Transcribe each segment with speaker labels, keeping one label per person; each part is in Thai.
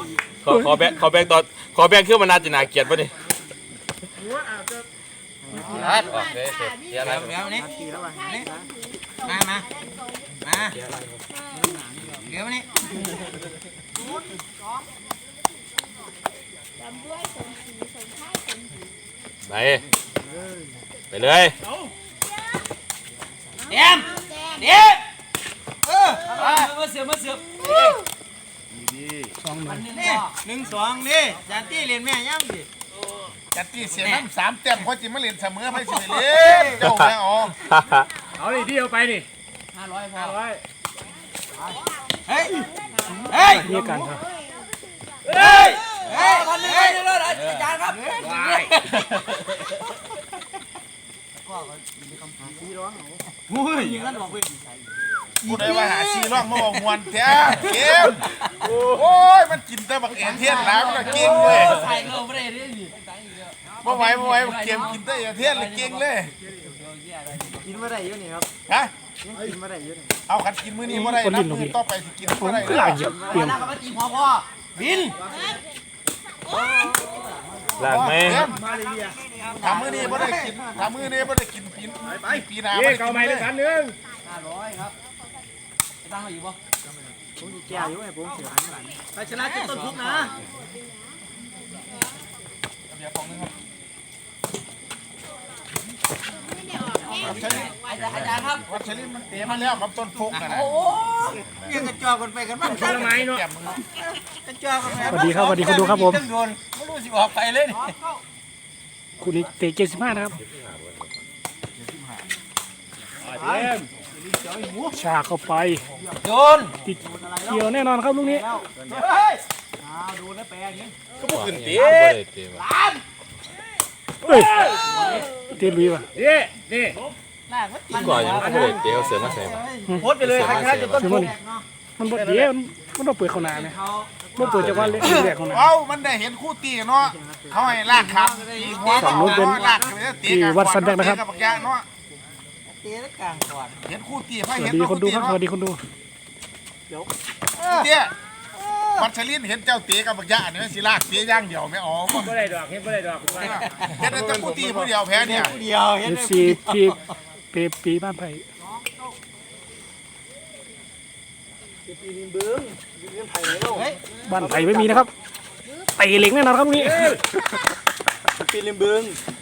Speaker 1: ขอแบงตอนขอแบงขึ้นมานาจินาเกียรติป่ะนี่รัดออกเลยเดี๋ยวอะไรนี่มาเดี๋ยวนี่ไปเลยเดี๋ยวมาเสือบ1-2นี่จันตี้เรียนแม่ย่ำดิ
Speaker 2: จัดที่เสียน้ำ3 แต้มเพราะจิมาเล่นเสมอให้สิเล่นเจ้าแม่อ๋อ
Speaker 3: เอาดิที่เอาไปนี่
Speaker 1: 500พอ
Speaker 3: เฮ้ย
Speaker 4: นี่กันครับ
Speaker 1: พันหนึ่งเลยอาจารย์ครับ
Speaker 2: ผู้ใดว่าหาซีร่องมาบอกมวนแท้เกมโอ้ยมันกินแต่บักเอ็นเทียนแล้วมันเก่งเลย
Speaker 1: ใส่เงาไม่ได้เลยดิ
Speaker 2: บ่ไหวเกมกินแต่เอ็นเทียนเลยเก่งเลย
Speaker 5: กินมาได้เยอะนี่ครับ
Speaker 2: ฮะ
Speaker 5: กินมาได้เยอะนี่
Speaker 2: เอาขันกินมื้อนี้บ่ได้นับมื้อต่อไปสิกินบ่ได้
Speaker 4: หลายเยอะเปลี่ยน
Speaker 1: บิน
Speaker 4: หลากไหม
Speaker 2: ทำมื้อนี้บ่ได้กินทำมื้อนี้บ่ได้กินปีหน้า
Speaker 3: เก่าใหม่เลย1,000
Speaker 1: ครับตั้งมาอยู่ป่ะ
Speaker 5: ผมจะแก้อยู่ไงผมเสีย
Speaker 1: ไปชนะจุดต้นทุกนะ
Speaker 2: เดี๋ยวของนึงครับ
Speaker 1: อาจารย์ครับ
Speaker 2: วัชรินมันเตะมาแล้วกับต้นฟุกนะ
Speaker 1: โอ้ยังกระจอกกันไปกันบ้าง
Speaker 3: ผลไม้เนาะ
Speaker 1: กระจอกกันไป
Speaker 4: สวัสดีครับคุณดูครับผม
Speaker 1: ไม่รู้สิออกไปเลย
Speaker 4: คุณนี่เตะ75นะครับชาเข้าไป
Speaker 1: โยน
Speaker 4: ติดเกี่ยวแน่นอนครับลูกนี้
Speaker 1: ดูนะแปลอย่างนี้
Speaker 2: ก็บ่ขึ้นเตะ
Speaker 4: เฮ้ยเตะลุยว่ะ
Speaker 3: นี่
Speaker 1: ก่อนยังไม่ได้เดี๋ยวเสือมาใส่โพสไปเลยใครชนะจุดต้นทุก
Speaker 4: มันบดเดี๋ยวมันต้องเปิดข้างหน้าเนี่ยมันเปิดจากวันเล็กแรกข้างหน้า
Speaker 2: มันได้เห็นคู่ตีเนาะเขาให้ลากครับ
Speaker 4: ฝั่งนู้นเป็นที่วัดสันแบกนะครับ
Speaker 1: เตะกลางก่อน
Speaker 2: เห็นคู่ตี
Speaker 4: สวัสดีคนดูครับสวัสดีคนดู
Speaker 2: เตี้ยวัชรินเห็นเจ้าเตะกับบักยะเนี่ยสิลากเตะย่างเดียวไม่ออก
Speaker 3: บ่ได้ดอกเห็นบ่ได้ดอก
Speaker 2: เห็นแต่คู่ตีผู้เดียวแพ้เนี่ย
Speaker 1: เดียวเห็น
Speaker 4: ซีที่ปีบ้านไผ่บ้านไผ่ไม่มีนะครับเตะเหล็กแน่นอนครับนี้
Speaker 1: ปีริมบึง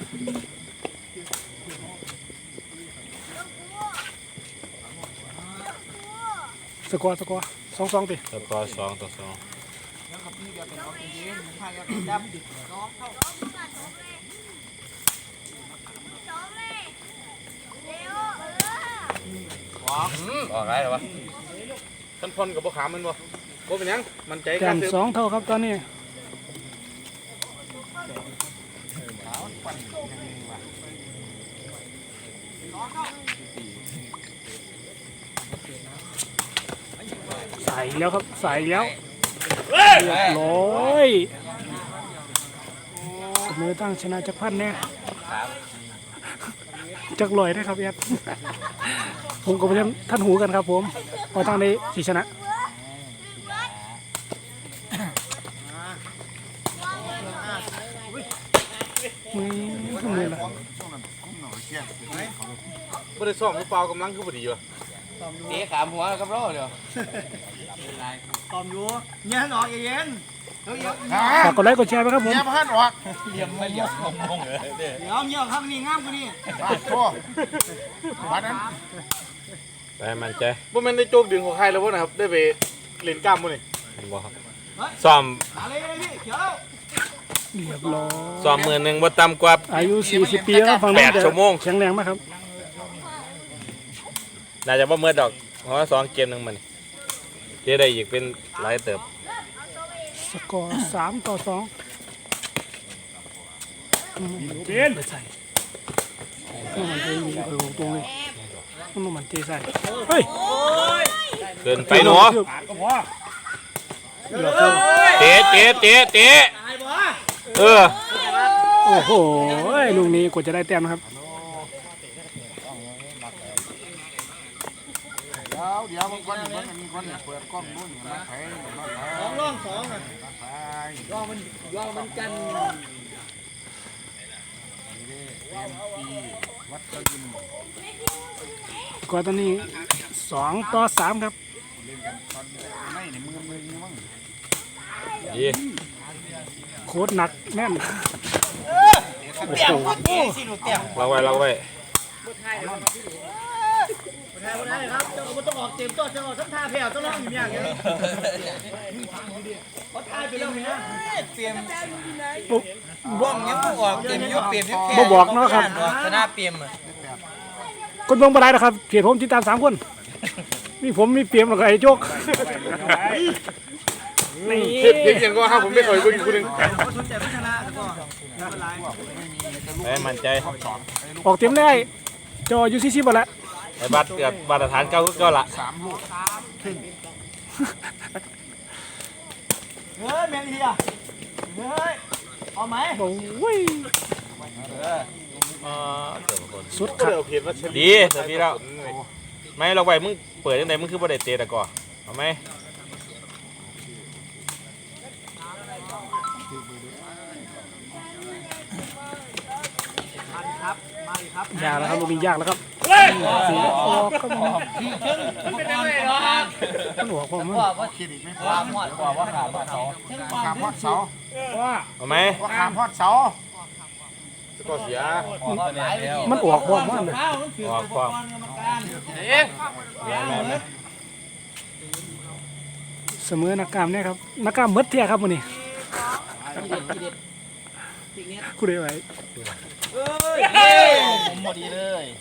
Speaker 4: สกอร์2-2ติ
Speaker 1: สกอร์2-2ออกไรหรอวะท่านพลกับพวกขามันบ่เป็นยังมันใจ
Speaker 4: กัน2 เท่าครับตอนนี้ใส่แล้วครับใส่แล้วเรียบร้อยเสมอตั้งชนะจักรพันธ์เนี่ยจักรลอยนะครับแอดผมกับท่านหูกันครับผมพอทางนี้สีชนะมือละ
Speaker 1: ไม่ได้ซ้อมเปล่ากำลังคือพอดีวะเตะขามหัวกับรอเดี๋ยว
Speaker 5: ตอมอยู่เงี้ยหนอเย็น
Speaker 4: ฝากกดไลค์กดแชร์ไปครับผม
Speaker 2: เงี้ยมาหันออก
Speaker 1: เยี่ยมไม่เยี่ยมงงเลย
Speaker 5: เดี๋ยวเงี้ยข้างนี้งามกว่านี้
Speaker 2: โทษวันนั้น
Speaker 1: ไปมันใจ
Speaker 3: บ่แม่นได้โจกดึงของใครแล้วบ่นะครับได้ไปเล่นกล้ามบ่นี่
Speaker 1: บ่ครับซ้อม
Speaker 4: เรียบร้อย
Speaker 1: ซ้อมมือหนึ่งบ่ต่ำกว่า
Speaker 4: อายุ40 ปีแล้วฟัง
Speaker 1: 8 ชั่วโมง
Speaker 4: แข็งแรงมากครับ
Speaker 1: น่าจะบ่เมื่อดอกเพราะว่า2 เกมนึงมันเจ๊ได้อีกเป็นหลายเติบ
Speaker 4: สกอร์3-2
Speaker 3: เปลี่ยน
Speaker 4: ไปใส่มันจะมีตรงเลยมันเตะใส่เฮ้ย
Speaker 1: เดินไปหนูเตะ
Speaker 4: โอ้โหลูกนี้กว่าจะได้แต้มนะครับ
Speaker 2: เดี๋ยวมันก้อนนี่มันมีก้อนเนี่ยเปิดกล้องนู้นมาไถมาไถร่องอ่ะมาไถร่องมันกันวัดตะยิน
Speaker 4: ก็ตอนนี้2-3ครับ
Speaker 2: เล่นกันตอนไม่ในมือมั้ง
Speaker 1: ดี
Speaker 4: โคตรหนักแน่นโอ้โห
Speaker 1: เราไว้เราไว้
Speaker 5: ได้ครับเจ้าก็ต้องออกเต็มตัวเจ้าทั้งท่าแผ่วต้องร้องอย่างเงี้ยเขาท่าไปแล้วเนี่ยเตรียมบ้องยังออกเตรียมยุบเปลี่ยนยุบแค่
Speaker 4: บ่บอกเนาะครับ
Speaker 5: ชนะเปรียม
Speaker 4: คนเบิ่งบ่ได้นะครับเพียรผมติดตาม3คนมีผมมีเปียมแล้วก็ไอ้โจ๊กนี่
Speaker 3: เพียงก็ห้าผมไม่เคยคนคนหนึ่ง
Speaker 5: เขาสนใจพัฒนาก็ไม่เป็นไร
Speaker 1: มั่นใจ
Speaker 4: ออกเต็มได้จออยู่40บ่ละ
Speaker 1: ไอ้บัตรกับมาตรฐานเก่าก็ละ
Speaker 2: 3 ลูก
Speaker 5: เฮ้ยแมงเฮียเฮ้ยเอาไหม
Speaker 4: โอ้ย สุด
Speaker 3: ก็
Speaker 4: ขัด
Speaker 3: เดี๋ยวเพียงว่าเช
Speaker 1: ดีเสร็จพี่แล้วไม่เราไว้มึงเปิดยังไงมึงคือบ่ได้เตะตะก่อเอาไหม
Speaker 5: ครับมาอีกครับ
Speaker 4: ยากแล้วครับลูกนี้ยากแล้วครับสีออกครับมันเป็นยังไงหรอมันหัวความมัน
Speaker 2: คิดอีกไม่พอ
Speaker 5: วางหมดกว่าว่าขาดเสา
Speaker 2: ขามพอดเสา
Speaker 1: เอาไหม
Speaker 2: ว่าขามพอดเสา
Speaker 3: ก็เสีย
Speaker 4: มันออกความมันเลย
Speaker 1: ออกความ
Speaker 4: เสมอนักกล้ามเนี่ยครับนักกล้ามเมดเที่ยครับวันนี้กูได้ไว้
Speaker 5: ผมหมดดีเลย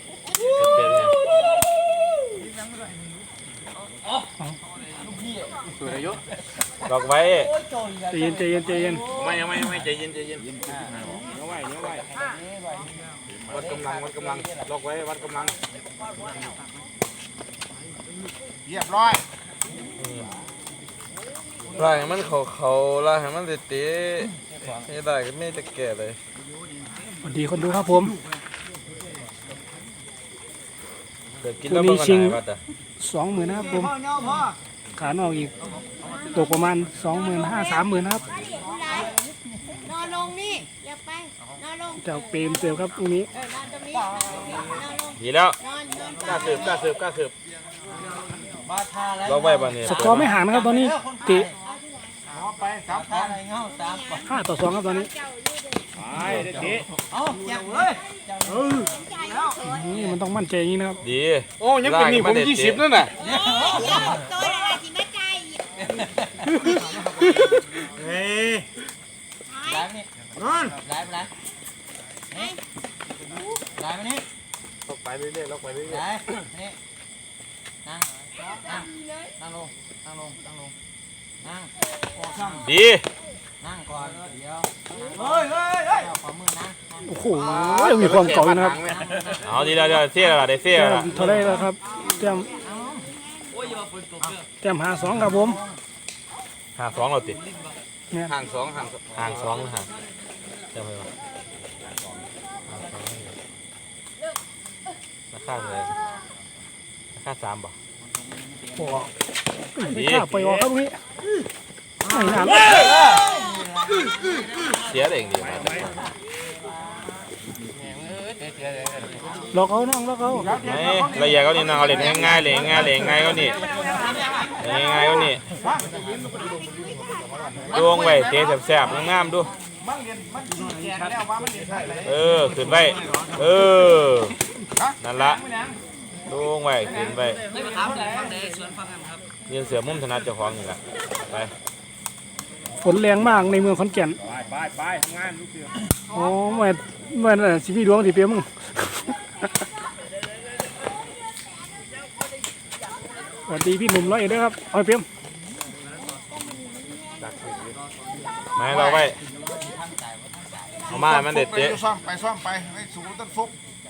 Speaker 3: ตัวอายุ
Speaker 1: ล็อกไว้
Speaker 4: ใจเย็นใจเย็นใจเย็น
Speaker 3: ไม่ใจเย็นใจเย็นเนื้อไหววัดกำลังล็อกไว้วัดกำลัง
Speaker 2: เรียบร้อย
Speaker 1: ล่างให้มันเขาล่างให้มันเตะไม่ได้ก็ไม่จะแก่เลย
Speaker 4: สวัสดีคนดูครับผม
Speaker 1: เดี๋ยวกินแล้วมันก็หายบัตรอ่ะ
Speaker 4: 20,000นะครับผม
Speaker 5: พ่อเนาะพ่อ
Speaker 4: ขานอกอีกตกประมาณ 25,000-30,000นะครับ
Speaker 6: นอนลงนี่ อย่าไป นอนลง
Speaker 4: เจ้าเปรมเสือครับตรงนี้
Speaker 6: นอนตรงนี้ นอนลง
Speaker 1: ดีแล้ว
Speaker 6: นอนนอน
Speaker 3: กล้าสืบ
Speaker 5: บาทาแล้ว
Speaker 1: ล็อกไว้บ้านนี้
Speaker 4: สกอร์ไม่ห่างนะครับตอนนี้เตะ
Speaker 2: ขอไปครับ
Speaker 5: ทาอะไรเงาสามก่อน
Speaker 4: 5-2ครับตอนนี้
Speaker 5: เอาแจกเลย
Speaker 4: นี่มันต้องมั่นใจอย่างนี้นะครับ
Speaker 1: ดี
Speaker 3: โอ้ยังเป็นนี่ผม20นั่นน่ะ
Speaker 6: เดี๋ยวตัวอะไรที่ไม่ใจ
Speaker 5: เฮ้ยไล่นี่นอนไล่ไปไหนนี่ไล่ไปนี่
Speaker 3: ล็อกไปเรื่อยๆล็อกไปเรื่อย
Speaker 5: ไล่นี่นั่งนั่งลงนั่งออกช่อง
Speaker 1: ดี
Speaker 5: นั่งก่อนเดี๋ยวเฮ้ยเอาขวามือนะ
Speaker 4: โอ้โหยังมีความเก่าอยู่นะครับ
Speaker 1: เอาดีแล้วเดี๋ยวเสียแล้วได้เสีย
Speaker 4: แต้
Speaker 1: แล้ว
Speaker 4: มเท่าไรแล้วครับแต้ม5-2ครับผม
Speaker 1: 52เราติด
Speaker 4: เนี่ย
Speaker 3: ห่างสอง
Speaker 1: ห่างห่างจำไว้ว่าราคาเลยราคา3บ่
Speaker 4: โอ้ไม่กล้าไปออกครับตรงนี้ไม่นาน
Speaker 1: เสียเองดีมาแต่
Speaker 4: หลอกเขาน้องหลอกเขา
Speaker 1: ไม่ละเอียดก็นี่นะเอาเล่นง่ายๆเลยง่ายก็นี่ง่ายก็นี่ดวงไว้เตะแสบๆงามๆดู
Speaker 2: มันเรียนมันแจกแล้วว่ามันเรียนใช่เลย
Speaker 1: ขึ้นไว้นั่นละดวงไว้ขึ้นไว้ยืนเสือมุมถนัดเจ้าของนี่แหละไป
Speaker 4: ฝนแรงมากในเมืองขอนแก่น
Speaker 3: ไปทำงานลูกเสือ
Speaker 4: อ๋อเมื่อสิมีดวงสิเปียมึงสวัสดีพี่หนุ่มร้อยเอ็ดด้วยครับเอาไปเปียม
Speaker 1: ไม่เราไว้เอามามันเด็ด
Speaker 2: ไป
Speaker 1: เจ๊
Speaker 2: ซ่อมไปให้สูงต้นฟุก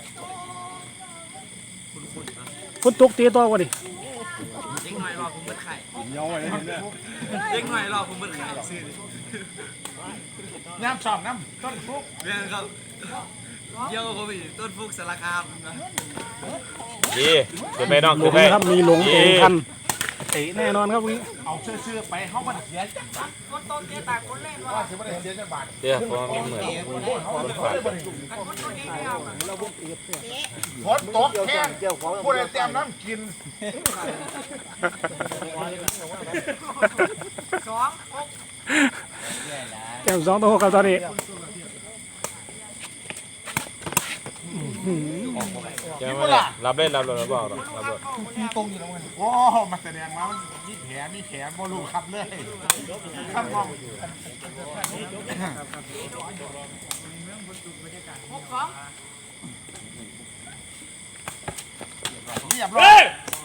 Speaker 4: ฝนตกเตะต่อวะดิ
Speaker 5: เด็กหน่อยรอผมเบิดไข่เด็กหน่อยรอผมเบิดไข่ซื้อ
Speaker 2: น้ำซ่อมน้ำต้นฟุก
Speaker 5: เรียนครับเยี่ยวเขาไปต้นฟุกสารคามนะ
Speaker 3: ดีขึ้นไปน้อง
Speaker 4: หล
Speaker 3: ขึ้
Speaker 4: ง
Speaker 3: นไป
Speaker 4: นะครับมีหลงเองทันเตะแน่นอนครับวันนี้
Speaker 2: เอาเสื้อไปเขามันเสียว่าสิบ่ได้เสียจังบาท
Speaker 3: เดี๋ยวผมมีเหมือนคนฝาก
Speaker 2: ฝนตกแห้งผู้ใดเตรียมน้ำกิน
Speaker 4: แก้ม2 ต่อ 6ครับตอนนี้
Speaker 3: เดี๋ยวมาเลยรับเลยรับเลยรับบอกรับเลย
Speaker 2: โอ้มาแสดงว่ามันมีแผลบ่รู้ครับเลยครับมองเรียบร้อย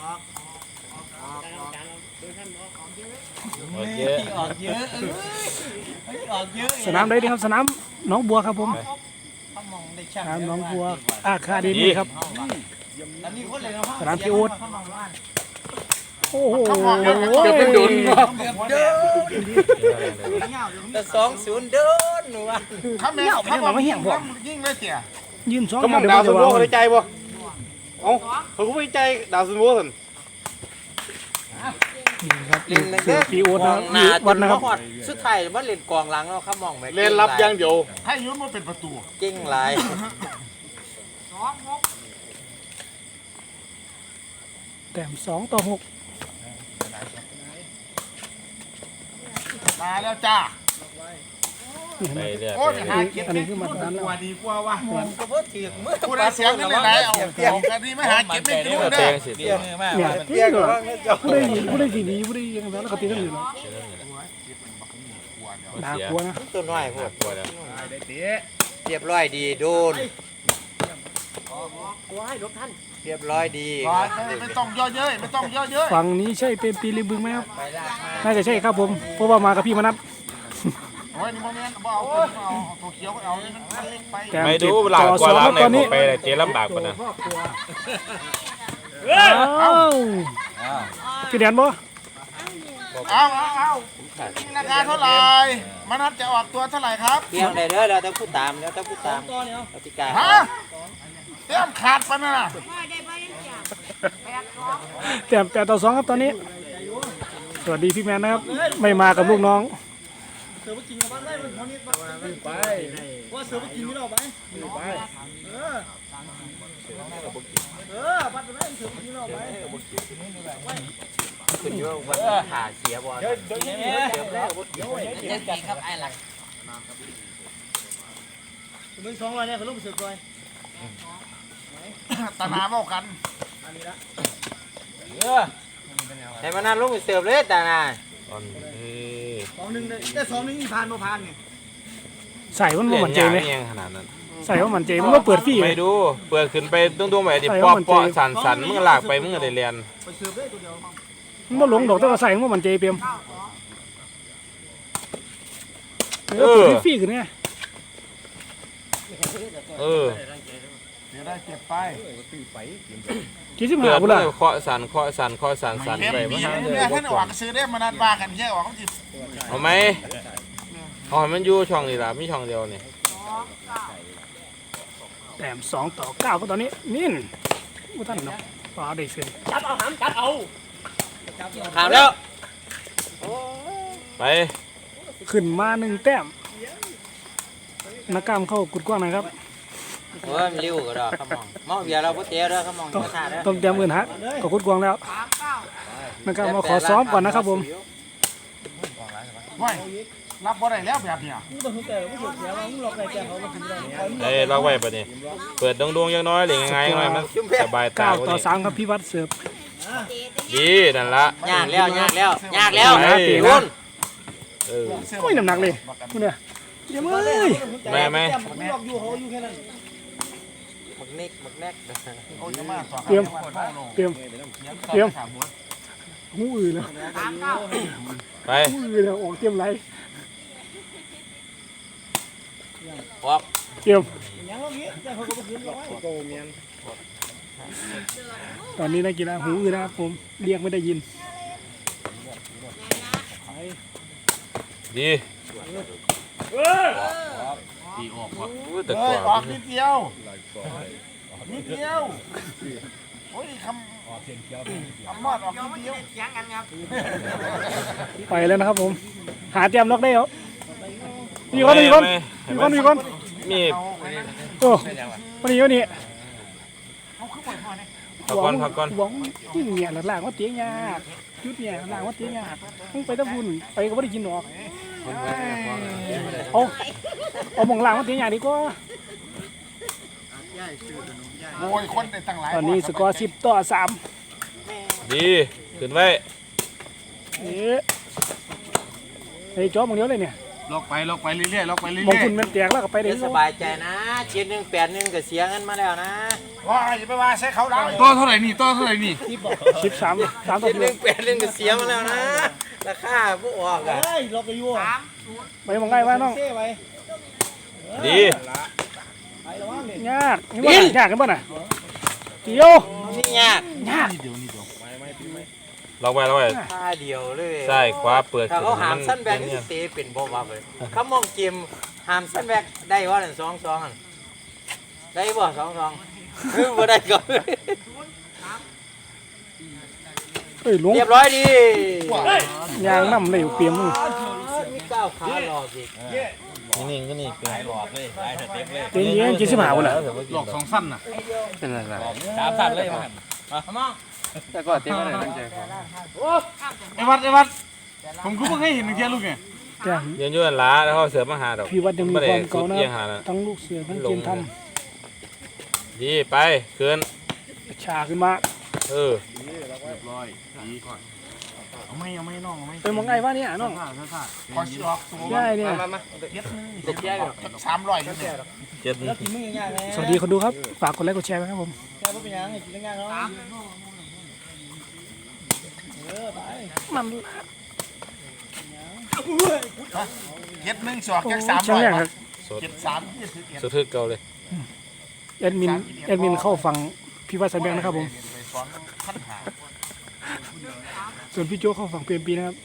Speaker 3: โอเค
Speaker 5: ออกเยอะออกเยอะ
Speaker 4: สนามใดดีครับสนามหนองบัวครับผม
Speaker 5: เขามองได้ช่าง
Speaker 4: สนามหนองบัวอาคาเดมี่ครับ
Speaker 5: แล้วมีคนเลยนะ
Speaker 4: สนามพี่อู๊ดโอ้โห
Speaker 2: เกือบเป็นดุน
Speaker 5: เดินแต่2-0เดินหนูว่า
Speaker 2: ข้าแม่ข้าบอกยิ่งเลยเตี่ย
Speaker 4: ยืน2
Speaker 3: ก็มองดาวซุนโวเขาได้ใจบ่เอ้าเขาก็ไม่ใจดาวซุนโวสิ
Speaker 4: ครับพี่อู๊ดนะครับวัดนะครับ
Speaker 5: สุดท้ายมันเล่นกองหลังเนาะเขามองแม่
Speaker 3: เล่นรับอย่างเดียว
Speaker 2: ให้ยุ่นมาเป็นประตู
Speaker 5: เก่งหลาย
Speaker 4: แต้ม2 ต่อ 6
Speaker 2: มาแล้วจ้า
Speaker 3: ไปเรื่อย
Speaker 2: โอ้ยหาเก็บ
Speaker 4: อันนี้คือมาตรฐานแล้ว
Speaker 2: กว่าดีกว่าว่ะ
Speaker 5: ก็บ่ถือมือ
Speaker 2: ผู้ใดเสียงกันเลยไหนเอากันนี้ไม่หาเก็บไม่กิน
Speaker 3: ๆ
Speaker 2: เด้
Speaker 3: เตะ
Speaker 2: อ
Speaker 3: สิ
Speaker 5: เตี้ยมือมาก
Speaker 4: เนี่ยนี่เหรอผู้ได้สีดีผู้ได้ยังไงแล้วก็ตีนั่นอยู่เนาะด่ากลัวนะ
Speaker 5: ตัวน้อยพวก
Speaker 3: กลัวแล้ว
Speaker 5: เรียบร้อยดีโดนเรียบร้อยดี
Speaker 2: ไม่ต้องย่อเย้ยไม่ต้องย่อเย้ย
Speaker 4: ฝั่งนี้ใช่เป็นปีริมบึงไหมครับ
Speaker 5: ไปลากมา
Speaker 4: น่าจะใช่ครับผมเพราะว่ามากับพี่มนัท
Speaker 2: โอ้ยนี่โมเมนต์บ่เอาตัวเขียวก็เอานี่มันเล็กไป
Speaker 4: แต้ม
Speaker 3: ไม่
Speaker 4: 7
Speaker 3: ดูหลัง
Speaker 4: ต่อก
Speaker 3: ว่า
Speaker 4: 2
Speaker 3: ล้า
Speaker 4: ค
Speaker 3: ง
Speaker 4: รับ
Speaker 3: ใน
Speaker 4: ตอน
Speaker 3: ผ
Speaker 4: นี้
Speaker 3: มไปเจ๊ลำบากปะนะ
Speaker 4: อ้าวพี่แดนบ่
Speaker 2: เอาราคาเท่าไหร่มนัดจะออกตัวเท่าไหร่ครับ
Speaker 5: เตรียมได้เด้อเราต้องพูดตามแล้วต้องพูดตามกติกา
Speaker 2: ฮะเตรียมขาดปะน่ะ
Speaker 4: แต้ม8 ต่อ 2ครับตอนนี้สวัสดีพี่แมนนะครับไม่มากับลูกน้อง
Speaker 5: คุณว่าวันหาเสียบอลเดี๋ยวแล้วจะตีครับไอ้หลัก
Speaker 2: ตาหนาเมากัน
Speaker 5: ให้มานั่นลงไปเสิร์ฟเลยแต่นาย
Speaker 3: ตอนนี้
Speaker 4: ใส่มันบ่
Speaker 3: เล่น
Speaker 4: มันเจ
Speaker 3: ยาก
Speaker 4: ไหม
Speaker 3: ยังขนาดนั้น
Speaker 4: ใส่ว่ามันเจมันก็เปิดฟรีเล
Speaker 3: ไม่
Speaker 4: ย
Speaker 3: ดูเปิดขึ้นไปตุ้งๆไปดิ
Speaker 4: ใส่
Speaker 3: ปอ
Speaker 4: ว่ามัน
Speaker 3: ปอ
Speaker 4: เจ็บ
Speaker 3: สันมึงลากไปมึงก็ได้เรียน
Speaker 4: มันบ่หลงดอกแต่ว่าใส่ว่ามันเจเปียมเปิดฟรีขึ้นไง
Speaker 3: เออ
Speaker 2: เดี๋ยวได้เก็บไป
Speaker 4: คิดสิ
Speaker 3: เปิ
Speaker 4: หา
Speaker 3: ด
Speaker 4: บุ
Speaker 3: มื
Speaker 4: ล่ะ
Speaker 3: อเคาะสัน
Speaker 2: เก็บ
Speaker 3: ไป
Speaker 2: บี
Speaker 3: มา
Speaker 2: บเนี่ยท่านออกซื้อได้มนัดว่ากันแค่ออกเขาจิ
Speaker 3: เอาไหมเอาให้มันอยู่ช่องนี่ล่ะมีช่องเดียวนี่
Speaker 4: แต้ม2 ต่อ 9ก็ตอนนี้นิ่นบ่ทันเนาะฟ้าได้เสียง
Speaker 5: ถามแล้ว
Speaker 3: ไป
Speaker 4: ขึ้นมา1 แต้มนักกล้ามเข้ากุดกว้างนะครับ
Speaker 5: โอ้ยมันริ้วก็ดอกเขามองมองเบียร์เราพุทเตี้ยด้วยเขามองกระชากด้วย
Speaker 4: ต้องเตรียมอื่นฮะก็กุดกว้างแล้วนักกล้ามมาขอซ้อมก่อนนะครับผม
Speaker 2: ไม่รับบ่ได้แล้วแบบเนี้ย
Speaker 3: เอ้ยล็อกไว้ปะนี่เปิดดวงๆยังน้อยหรือยังไงหน่อยมันสบายตา
Speaker 4: 9 ต่อ 3ครับพี่วัดเสิร์ฟ
Speaker 3: ดีนั่นละ
Speaker 5: ยากแล้ว
Speaker 3: เฮ้ย
Speaker 5: คุณ
Speaker 3: เออ
Speaker 4: โอ้ยน้ำหนักเลยคุณเนี่ยเดี๋ยวเอ้ย
Speaker 3: แม่ไหม
Speaker 5: หมึกนิกหมึกแนก
Speaker 2: โอ้ยมาต่อ
Speaker 4: เตรียมหูอื่นแล้ว
Speaker 3: ไป
Speaker 4: หูอื่นแล้วออกเตรียมไร
Speaker 5: ออก
Speaker 4: เตรียมตอนนี้นักกีฬาหูอื่นนะครับผมเรียกไม่ได้ยิน
Speaker 3: ดีแต่
Speaker 2: เอ้
Speaker 3: ก่
Speaker 2: ยอ
Speaker 3: อ
Speaker 2: อก
Speaker 3: น
Speaker 2: นิดเดียวนิดเดียวโอ้ยคำมอดออกนิดเดียว
Speaker 4: ไปแล้วนะครับผมหาเตรียมล็อกได้เหรอมีคนมีคน
Speaker 3: มี
Speaker 4: โอ้วันนี้วันนี้
Speaker 3: พักก่อน
Speaker 4: หวังที่เนี่ยหลังๆว่าเตี้ยยากจุดเนี่ยหลังว่าเตี้ยยากมึงไปตะบุญไปก็ไม่ได้กินหรอกเอาหมองหลังว่าเตี้ยยากดีกว่า
Speaker 2: โอ้ยคนได้ตั้งหลาย
Speaker 4: ตอนนี้สกอร์10-3
Speaker 3: ดีขึ้นไว้
Speaker 4: เฮ้ยจ้อมึงเดียวเลยเนี่ย
Speaker 2: ล็อกไปเรื่อยๆล็อกไปเรื่
Speaker 4: มอง
Speaker 2: อย
Speaker 4: คุณมันแตกแล้วก็ไปได้
Speaker 5: สบายใจนะ7-1-8-1ก็เสียเงินมาแล้วนะ
Speaker 2: ๆว่าอย่าไปว่าใช้เขาได้ตัวเท่าไหร่นี่
Speaker 4: 13-3
Speaker 5: ก็เสียมาแล้วนะราคาบ่ออกอ่ะ
Speaker 4: ไปมองง่ายว่าน้อง
Speaker 3: ดี
Speaker 4: ยากกันป่ะน่ะเดียว
Speaker 5: นี่ยาก
Speaker 3: ล็อกไว้
Speaker 5: ท่าเดียวเลย
Speaker 3: ใช่ขวาเปิด
Speaker 5: ถ้าเขาหามสั้นแบกนี่เตะเป็นบ่ว่าเลยเขามองเกมหามสั้นแบกได้ว่านั่น2-2อันได้บ่2-2คือบ่ได้ก็
Speaker 4: เฮ้ยลุง
Speaker 5: เรียบร้อยดี
Speaker 4: ยางน้ำเลยเปียมมึง
Speaker 5: มีก้าวขาหลอกอีก
Speaker 3: นิ่งก็นี่เกิน
Speaker 4: เจ๊เย็นกินสิบหาวันน่ะ
Speaker 2: หลอก2สั้นน่ะ
Speaker 3: 3 เลยมัน
Speaker 5: มอง
Speaker 1: แต่ก็เต็มเลยตั้งใจ
Speaker 2: ไอ้วัดผมก็เพิ่งให้เห็นเทียลูกไง
Speaker 4: จ้ะ
Speaker 3: ยืนอยู่นั่นล่ะแล้วเขาเสือมาหาดอก
Speaker 4: พี่วัดยังมีความเก่านะ
Speaker 3: เอียงหาน่ะ
Speaker 4: ทั้งลูกเสือทั้งเกมท
Speaker 3: ดีไปขึ้น
Speaker 4: ำชาขึ้นมา
Speaker 3: เออ
Speaker 2: เอาไม่น้องเอาไม่
Speaker 4: ไปมองง่ายว่าเนี่ยน้อง
Speaker 2: พอสิออกตัว
Speaker 4: ง่ายเนี่ย
Speaker 5: ตกแย่อยู่
Speaker 2: 300อยู่เนี่ย
Speaker 3: 7
Speaker 5: แล้วกินมึงง่ายๆนะ
Speaker 4: สวัสดีคนดูครับฝากกดไลค์กดแชร์ไว้ครับผม
Speaker 5: แค่บ่เป็นหยังกินง่ายๆเนาะ
Speaker 4: มัน
Speaker 2: เฮ็ด1สอกจาก
Speaker 4: ช่างแรกครับ
Speaker 3: สด
Speaker 2: 300
Speaker 3: สะทึกเก่าเลย
Speaker 4: แอดมินเข้าฟังพี่วัดสันแบงนะครับผม
Speaker 2: ไปสอนขั้นหา
Speaker 4: ส่วนพี่โจเข้าฟังเปลี่ยนปีนะครับ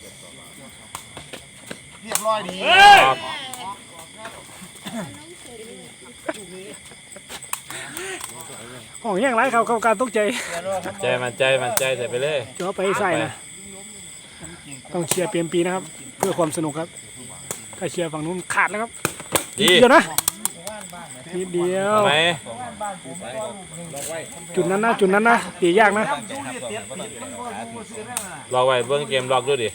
Speaker 2: เรียบร้อยดี
Speaker 4: ห้องแย่งไรเขาเข้าการตกใจ
Speaker 3: มันใจใส่ไปเลย
Speaker 4: โจไปใส่นะต้องเชียร์เปลี่ยนปีนะครับ เพื่อความสนุกครับถ้าเชียร์ฝั่งนู้นขาดแล้วครับ
Speaker 3: ดี
Speaker 4: เดียวนะนิดเดียว
Speaker 3: ทำไม
Speaker 4: จุดนั้นนะตียากนะ
Speaker 3: ล็อกไว้เบิ่งเกมล็อกดูดิ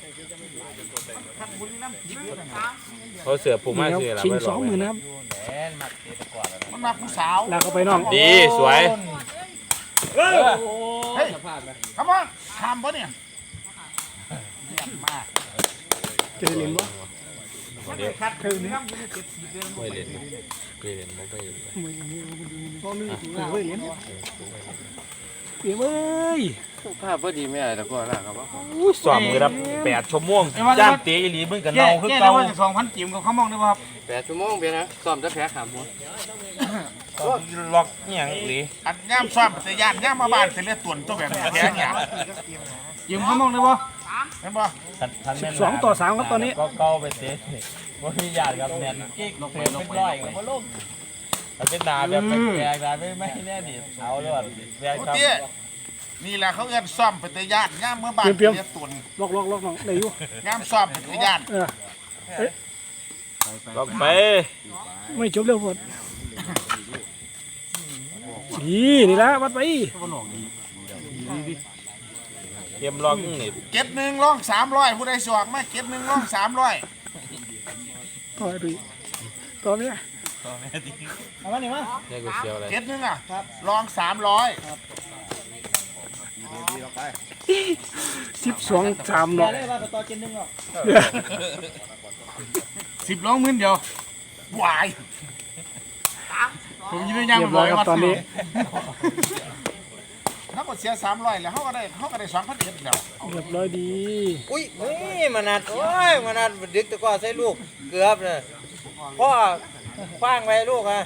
Speaker 3: เขาเสือผูกมา
Speaker 4: นี่ครับ
Speaker 3: คืออะไร
Speaker 4: ชิง
Speaker 3: ไว้ล็อก
Speaker 4: 20,000นะครับ
Speaker 2: มันมาผู้สาว
Speaker 4: ลากเข้าไปน้อง
Speaker 3: ดีสวย
Speaker 2: เฮ้ยคำว่าทำปะเนี่ยเยี่ยมมาก
Speaker 4: จะได้เล่นวะ
Speaker 3: เดี๋ยว
Speaker 4: เท่านี้
Speaker 3: ไม่เล่นไม่เล่นไม่เล่น
Speaker 4: เฮ้ยเล่นเปียเว้ย
Speaker 1: ภาพพอดีไม่ได้แต่ก็นะครับว่า
Speaker 3: สอบมือรับ8 ชั่วโมงจ้างเตะอีหลีมึงกับเนาคือ
Speaker 2: แก้
Speaker 3: เก่า
Speaker 2: ว่าจะ2,000จิ๋มกับข้าวมองได้ป่ะครับ
Speaker 1: 8 ชั่วโมงเพียงนะซ้อมจะแพ้ขาหมู
Speaker 3: ล็อกอหย่างอีหลี
Speaker 2: อันย่ำซ้อมแต่ย่านย่ำมาบ้านแต่เลือดตุ่นตัวแบบแข็งอย่างจิ๋มข้าวมองได้ป่ะเห็นป่ะ
Speaker 4: 12-3ครับตอนนี้
Speaker 3: ก็เก่าไปเตะบ่มีญาติครับแน่นกิ๊กเสือเป็นร้อยก็บ่ลงถ้าเป็นดาแบบแปลกๆดาไม่แน่ดิเอาเลยว่าแปลกครับ
Speaker 2: นี่แหละเขาเอื้อนซ้อมไปแต่ย่านย่ำเมื่อบ้านแต่เลือดตุ่น
Speaker 4: ล็อกน้องได้อยู่
Speaker 2: ย่ำซ้อมไปแต่ย่าน
Speaker 3: ล็อกไป
Speaker 4: ไม่จบเร็วพอดนี่ละวัดไป
Speaker 3: เกมล็อกนี่
Speaker 2: เก็บหนึ่งร่อง300ผู้ใดสวกมาเก็บหนึ่งร่อง300
Speaker 4: ต่อไปต่อเนี่ย
Speaker 5: เอามานี่มา
Speaker 3: นี่กูเสียวอะไร
Speaker 2: เก็บหนึ่งอ่ะร่อง300
Speaker 4: 12-3เนาะ
Speaker 5: ได้ว่าต่อเกมนึงหรอก
Speaker 2: 10ร่องมื้อเดียววายผมยืนยัน
Speaker 4: เรียบร้อยครับตอนนี้
Speaker 2: เขาก็เสีย300แล้วเขาก็ได้2,000เอ็ดแล้ว
Speaker 4: เรียบร้อยดี
Speaker 5: อุ้ยมานัดโอ้ยมานัดดึกตะก้อใส่ลูกเกือบเลยพ่อคว้างไว้ลูกอ่ะ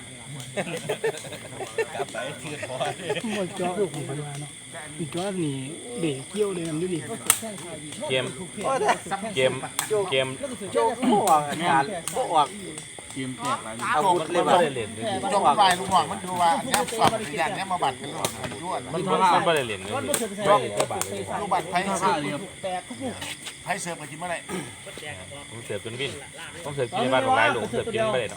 Speaker 4: มันจ้อลูกของพันวาเนาะอีจ้อนี่เด็กเกี่ยวเลยนำดูดิ
Speaker 3: เกม
Speaker 5: โจกบ่ออกอาการบ่ออกอาวุธเลย
Speaker 3: บ่
Speaker 5: บ่
Speaker 3: ได้เล่นเลย
Speaker 2: จงไปลูกหวังมันดูว่าเนี่ยสอบปริญญาเนี่ยมาบัตรกันหรอกมันยั่ว
Speaker 3: มันบ่ได้เล่นเลย
Speaker 2: ลูกบัตรไพ่เสิร์ฟไพ่เสิร์ฟไปกินเมื่อไหร่
Speaker 3: ผมเสิร์ฟจนวินผมเสิร์ฟกินในบ้านของหลายหลวงเสิร์ฟกินไม่ได้เนาะ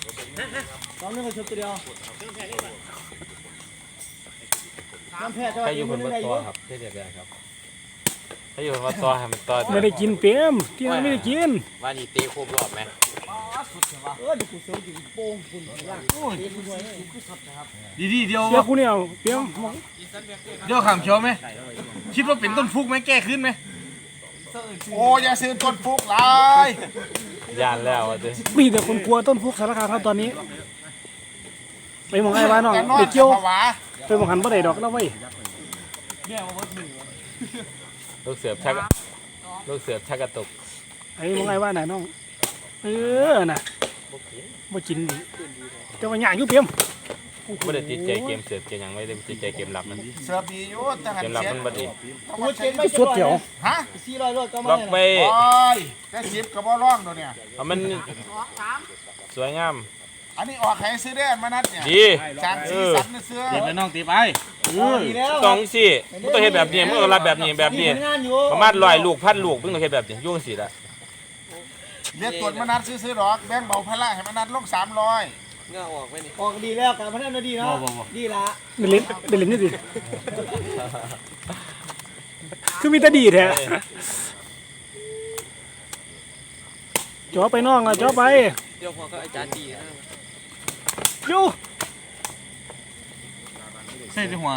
Speaker 3: ถ้าอยู่คนวัดซอครับเท่เดียวครับถ้าอยู่คนวัดซอให้มันต่อ
Speaker 4: ไม่ได้กินเปียมที่นั่นไม่ได้กิน
Speaker 5: ว่านี่เตะครบรอบไหม
Speaker 1: ดีเดียว
Speaker 4: เสียกูเนี่ยเปียม
Speaker 1: เดี๋ยวขามเขียวไหมคิดว่าเป็นต้นฟุกไหมแก้ขึ้นไหม
Speaker 2: โอ้ยาซื้อต้นฟุกหลาย
Speaker 3: ยานแล้วอ่ะเด้
Speaker 4: มีแต่คนกลัวต้นฟุกสารคามครับตอนนี้ไปมองไอ้บ้านน้อง
Speaker 2: แต่นอน
Speaker 4: ไปเกี่ยว
Speaker 2: ภาวะ
Speaker 4: ไปมองหันบ่ได้ดอกแล้วเว้ย
Speaker 3: ลูกเสือบชักลูกเสือบชักกระตุก
Speaker 4: ไอ้มองไอ้บ้านไหนน้องน่ะบ่กินดิแต่ว่าหยางอยู่เปียม
Speaker 3: ไม่ได้ติดใจเกมเสือบเกมยังไม่ได้ติดใจเกมรับมัน
Speaker 2: เสิร์ฟดีอยู่แต่หัน
Speaker 3: เกมรับ
Speaker 2: เสีย
Speaker 3: มันบ่ดี
Speaker 4: สดเดี๋ยว
Speaker 2: ฮะ
Speaker 3: ล็อกไป
Speaker 2: โอ้ยแต่สิบกับบ่ร้องตัวเนี่ย
Speaker 3: เอามันสวยงาม
Speaker 2: อันนี้ออกให้ซื้อได้มานัดเนี่ย
Speaker 3: ดี
Speaker 2: จางสีสันเสื้อ
Speaker 1: ตีไปน้องตีไป
Speaker 3: ต้องสิมึงต้องเฮ็ดแบบนี้มึงต้องรับแบบนี้ประมาณ100 ลูก1,000 ลูกมึงต้องเฮ็ดแบบนี้ยุ่งสิละ
Speaker 2: เรียกตรวจมานัดซื้อดอกแบ่งเบาพละให้มานัดลง300
Speaker 7: ออกดีแล้วการพนันดีเนาะดีละ
Speaker 4: ได้เล่นนี่ดิคือมีแต่ดีแท้จ่อไปน้องอ่ะจ่อไป
Speaker 5: เดี๋ยวพอก็อาจารย์ดี
Speaker 4: อยู่
Speaker 1: ใส่ที่หัว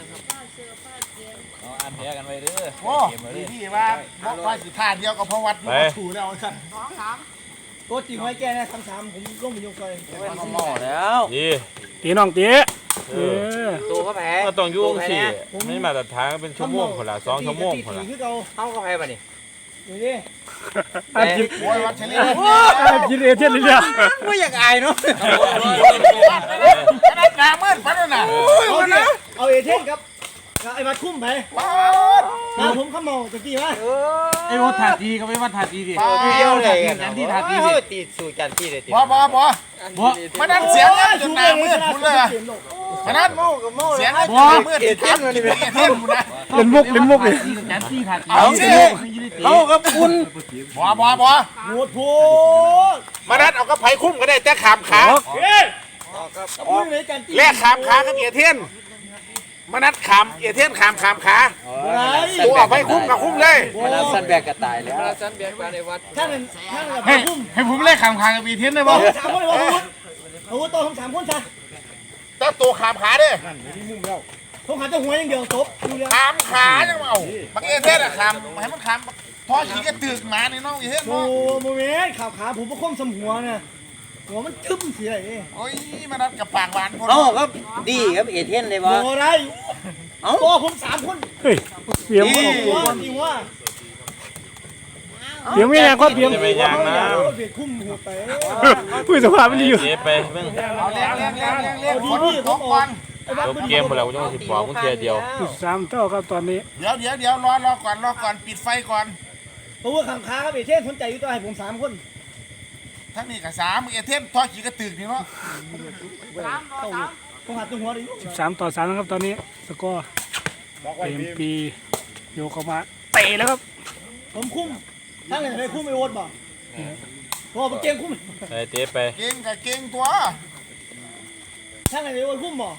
Speaker 3: อันแพ้กันไปเด้อ
Speaker 2: โอ้ดีว่าบอกว่าสิท่าเดียวกับพวัดถูแล้วสั่น
Speaker 7: ตัวจริงไว้แกนะ3-3ผมลงไปยกไป
Speaker 5: หม้อแล้ว
Speaker 3: ดี
Speaker 4: ตีน้องตี
Speaker 5: ตัวก็แพ้
Speaker 3: ก็ต้องยุ่งสิไม่มาตรฐานเป็นชั่วโมงคนละ2 ชั่วโมงคนละ
Speaker 7: คือเก่า
Speaker 5: เข้าก็แพ้ป่ะนี่
Speaker 7: ดูดิ
Speaker 4: อ่านกิน
Speaker 2: โอ้ยวัดเฉลี่ย
Speaker 4: กินเอเทียนเลยเนี่ย
Speaker 5: ไม่อยากอายเนาะ
Speaker 2: นัดหนามืดพัดน่ะ
Speaker 7: เอาเอเทนครับไอ้มาคุ้มไปผมขโมยตะกี้ว่า
Speaker 1: ไอ้วัดถาดีก็ไม่วัดถาดีดิ
Speaker 5: เดียวเลย
Speaker 1: จันที่ถาดี
Speaker 5: ตีสู่จันที่เลยตี
Speaker 2: บ่มานัดเสียงจนหนามืดพุ่นเลยมานัดเสียงจนหนามืดถามกินเอเทนพุ่นนะ
Speaker 4: เล่นมุกเลย
Speaker 1: จันที่ถาดี
Speaker 2: เอาสิ
Speaker 5: เอากับคุณ
Speaker 2: บ่
Speaker 7: โหดโหด
Speaker 2: มานัดเอากระไผคุ้มก็ได้แต่ขามขา
Speaker 7: พูดเลยกันตี
Speaker 2: แลกขามขากับเอเทนมานัดขามเอเทนขามขาตัวเอาไปคุ้มกับคุ้มเลย
Speaker 5: มันสันแบกกระต่ายแล้วสันแบกมาในวัด
Speaker 7: ท่านกับ
Speaker 1: ให้
Speaker 7: คุ้ม
Speaker 1: ให้ผมเล่นขามคางกับบีเทนได้ป่ะ
Speaker 7: 3 คนเลยว่าอาวุธโตทั้ง3 คนซะ
Speaker 2: แต่ตัวขามขาเด้
Speaker 7: ผมหาแต่หัวอย่างเดียวจบดูแล้ว
Speaker 2: ขามขาจังเอาบางเอเทนอะขามให้มันขามพอขี่ก็ตึกหมาในน้องเอเทน
Speaker 7: โมโมเมนต์ขาผมประคมสมหัวนะหัวมันทึ่มเสียไอ้
Speaker 2: โอ้ยมานัดกับปากหวานพุ่น
Speaker 5: เอาครับดีครับเอเทนเลย
Speaker 7: โม
Speaker 5: วะ
Speaker 7: ได้ตัวผม3 คน
Speaker 4: เฮ้ยเปียม
Speaker 7: หัวจริงว่า
Speaker 4: เปียมไม่แรงก็เปียม
Speaker 3: จะไปยางนะ
Speaker 7: เบียดคุ้มหัวไป
Speaker 4: ผู้สภาพมันดีอยู่
Speaker 3: เจ๊ไปมึง
Speaker 2: เอาเลี้ยงฝนตกก่อน
Speaker 3: จบเกมหมดแล้วกูต้องสิบอกมึงเทียเดียว
Speaker 4: 3เท่าครับตอนนี้
Speaker 2: เดี๋ยวรอก่อนปิดไฟก่อน
Speaker 7: เพราะว่าขังค้าครับเอเทนสนใจอยู่ตัวให้ผม3 คน
Speaker 2: ทั้งนี้กับ3เอเทนทอขี่ก็ตึกนี่เนาะ
Speaker 7: ผมหาตัวหัวดิ
Speaker 4: 13-3นะครับตอนนี้สกอร์เอ็มปีโยกเข้ามาเตะแล้วครับ
Speaker 7: ผมคุ้มทั้งไหนได้คุ้มไอ้โอ๊ตบ่พอผมเก่งคุ้ม
Speaker 3: ไปเจ๊ไป
Speaker 2: เก่งกับเก่งตัว
Speaker 7: ทั้งไหนได้โอ๊ตคุ้มบ่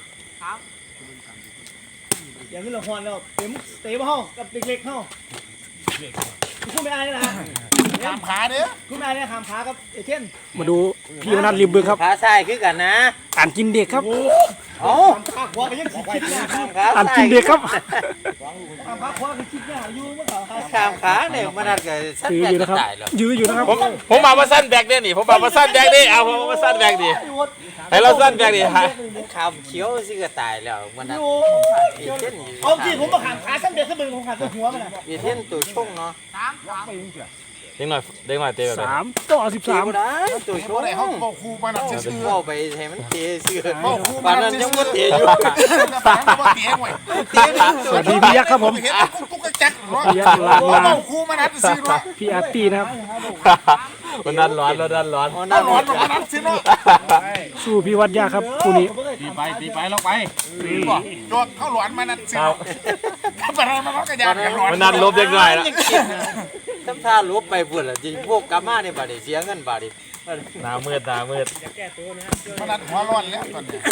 Speaker 7: อย่างนี้เราฮอนแล้วเต็มเตะมาห้องกับเด็กๆห้องคุ้มไม่อายนะ
Speaker 2: ขามขาเด้อ
Speaker 7: คุ้มไม่อายเนี่ยขามขากับเอเทน
Speaker 4: มาดูพี่มนัทริมบึงครับ
Speaker 5: ขาซ้ายคือกันนะ
Speaker 4: อ่านกินเด็กครับ
Speaker 5: เอา
Speaker 7: ขามขาขวาก็ยังคิดเนี่ย
Speaker 4: อ่านกินเด็กครับ
Speaker 7: ขามขาขวาก็คิดเนี่ยอยู่เมื่อก่อน
Speaker 5: ขามขาเนี่ยมันนัดกับสัน
Speaker 4: ยื้อ
Speaker 5: แบ
Speaker 4: อก ยู่
Speaker 5: ก
Speaker 4: นะ
Speaker 5: ระ
Speaker 4: ครับ
Speaker 5: ต่ายแล้ว
Speaker 4: ยื้ออยู่นะครับ
Speaker 3: ผมมาว่าสั้นแบกเนี่ยนี่ผมมาว่าสั้นแบกดิเอาผมมาสั้นแบกดิให้เราสั้นแบกดิฮะ
Speaker 5: ขามเขียวสิกระต่ายแล้วมันนัด
Speaker 7: อยู่
Speaker 5: เอเทน
Speaker 7: เอาที่ผมมาขามขาซ้ำเด็กซ้ำเด็กผมขามตัวหัวมัน
Speaker 5: เอเทนตัวช่งเนาะ
Speaker 3: เด็กหน่อยเตะแบบนี้
Speaker 4: 3-13
Speaker 5: ได้ตัวช่
Speaker 2: บ่
Speaker 5: ง
Speaker 2: ได้เฮาบ่คูมานัดซื่อ
Speaker 5: เข้าไปให้มันเตะซื่อ
Speaker 2: บ่คู
Speaker 5: ปานนั้นยังบ่เตะอยู่
Speaker 2: ปานนั้นบ่เตะห่วย
Speaker 5: เตะนี่
Speaker 4: สวัสดีพี่ยักษ์ครับผม
Speaker 2: เห็นกุ๊กจักเนาะ
Speaker 4: พี่ยักษ์ลา
Speaker 2: บ่คูมานัดซื่อเนาะ
Speaker 4: พี่อาร์ตี้นะครับ
Speaker 3: มันดันร้อนแล้วดันร้อน
Speaker 2: เอาหลอนมานัดสิเนาะ
Speaker 4: สู้พี่วัดยากครับคู่นี้
Speaker 1: ตีไปลงไป
Speaker 2: บอกโจกเข้าหลอนมานัดสิถ้าไปเรามันก็ยานกันหลอน
Speaker 3: มันดันลบเล็กน้อยแล้ว
Speaker 5: ทำท่าลบไปพุ่นล่ะจริงพวกกลับมาเนี่ยบาดนี้เสียเงินบาดนี้
Speaker 3: หน้ามืด
Speaker 2: มานัดหัวร้อนแล้วตอนนี้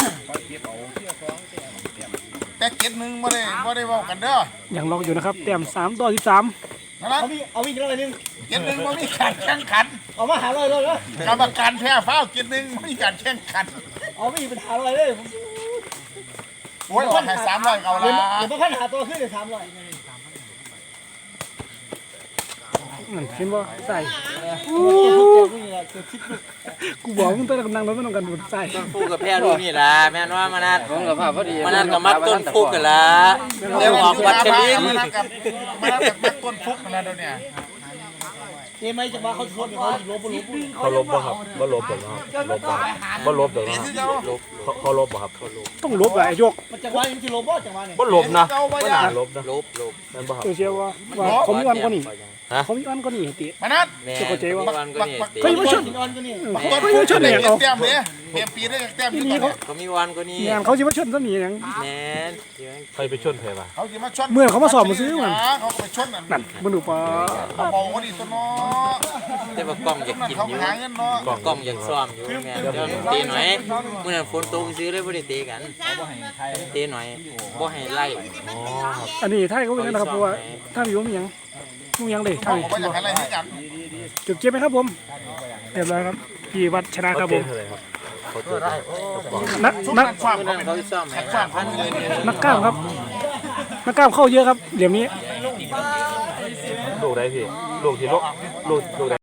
Speaker 2: แต่เก็ดหนึ่งไม่ได้เว้ากันเด้อ
Speaker 4: ยังล็อกอยู่นะครับแต้ม3-13
Speaker 2: นะ
Speaker 7: เอาวิ่งแล้วไปนึง
Speaker 2: เก็ดหนึ่งมันมีการแข่งขัน
Speaker 7: เอามาหาเลยเลย
Speaker 2: กรรมการแพ้ฟ้าวเก็ดหนึ่งไม่มีการแข่งขัน
Speaker 7: เอาวิ่งเป็นหาเลยเลย
Speaker 2: โอ้ยออกให้300เอาละ
Speaker 7: เดี๋ยวมาพันหาตัวขึ้นเดี๋ยว300
Speaker 4: นั่นเห็นบ่ใส่กูบอกมึงต้องกำลังรถไม่ต้องกันบุญใส่
Speaker 5: ต้นฟูกกับแพร่ลูกนี่ล่ะแม่นว่ามานัด
Speaker 1: ผมกับภาพพอดี
Speaker 5: มานัดกับมัดต้นฟูกกันล่ะเดี๋ยวออกวัดเชลิง
Speaker 2: มานัดกับมัดต้นฟุกนั่นแหละเดี๋ยวนี้
Speaker 7: เจ๊ไม่จะมาเขาชนเขาลบลบ
Speaker 3: เขาลบป่ะครับบ่ลบหรอกครับลบป่ะบ่ลบหรอก
Speaker 2: เดี๋ยว
Speaker 3: ครับ
Speaker 2: ที่เจ้า
Speaker 3: เขาลบป่ะครับ
Speaker 4: ต้องลบอะไอ้ยก
Speaker 7: มันจังหวะยังที่ลบบ่จังหวะเนี่ย
Speaker 3: บ่ลบนะ
Speaker 2: เจ้าว่า
Speaker 3: บ่
Speaker 2: อย่า
Speaker 3: น่าลบนะ
Speaker 5: ลบ
Speaker 3: นั่นป่ะครับ
Speaker 4: ตัวเชียวว่าเขามีวันกว่านี้เขามีวันกว่านี้ติ
Speaker 2: มานัด
Speaker 5: แม่
Speaker 4: เข้าใจว่า
Speaker 5: วันก็นี่
Speaker 4: ก็ยังไม่ชน
Speaker 7: นอนก็นี่
Speaker 2: ต้นฟุกได้เก็บแต้มเลยเตรียมปีได้แต้มอยู่ตอนนี้
Speaker 5: ก็มีวันก็นี่
Speaker 4: งานเขาจะมาชนซะหนีหยัง
Speaker 5: แม่น
Speaker 3: ใครไปชนเพป่ะ
Speaker 2: เขาจะมาชน
Speaker 4: เมื่อเขามาสอบมาซื้อมัน
Speaker 2: เขาไปชนนั่น
Speaker 4: นั่นบรรลุปะ
Speaker 2: เขาบอกว่าดีตัวเนาะ
Speaker 5: แต่ว่ากล้องอยากกิน
Speaker 2: เขา
Speaker 5: อยู่
Speaker 2: หาเงินเนาะ
Speaker 5: กล้องอยากซ้อมอยู่แม่นเดี๋ยวตีหน่อยมื้อนั้นฝนตกซื้อเลยบ่ได้ตีกันตีหน่อยบ่ให้ไล่
Speaker 4: อันนี้ไทยเขาเป็นกันนะครับเพราะว่าถ้าอยู่มีหยังมีหยังเลยไทย
Speaker 2: ว่าอยากอะไรที่กัน
Speaker 4: จุดเจ็บไหมครับผมเรียบร้อยครับพี่วัดชนะครับผม
Speaker 3: เท่าไหร่ครับเขาตัวได้
Speaker 4: นัก
Speaker 2: ชุด
Speaker 4: นัก
Speaker 2: นั้นความ
Speaker 5: มื้อนั้นเขาซ้อมให้ 5,000เลย
Speaker 4: นักกล้ามครับนักกล้ามเข้าเยอะครับเหลี่ยมนี้
Speaker 3: ลูกได้พี่ลูกที่ลูกได้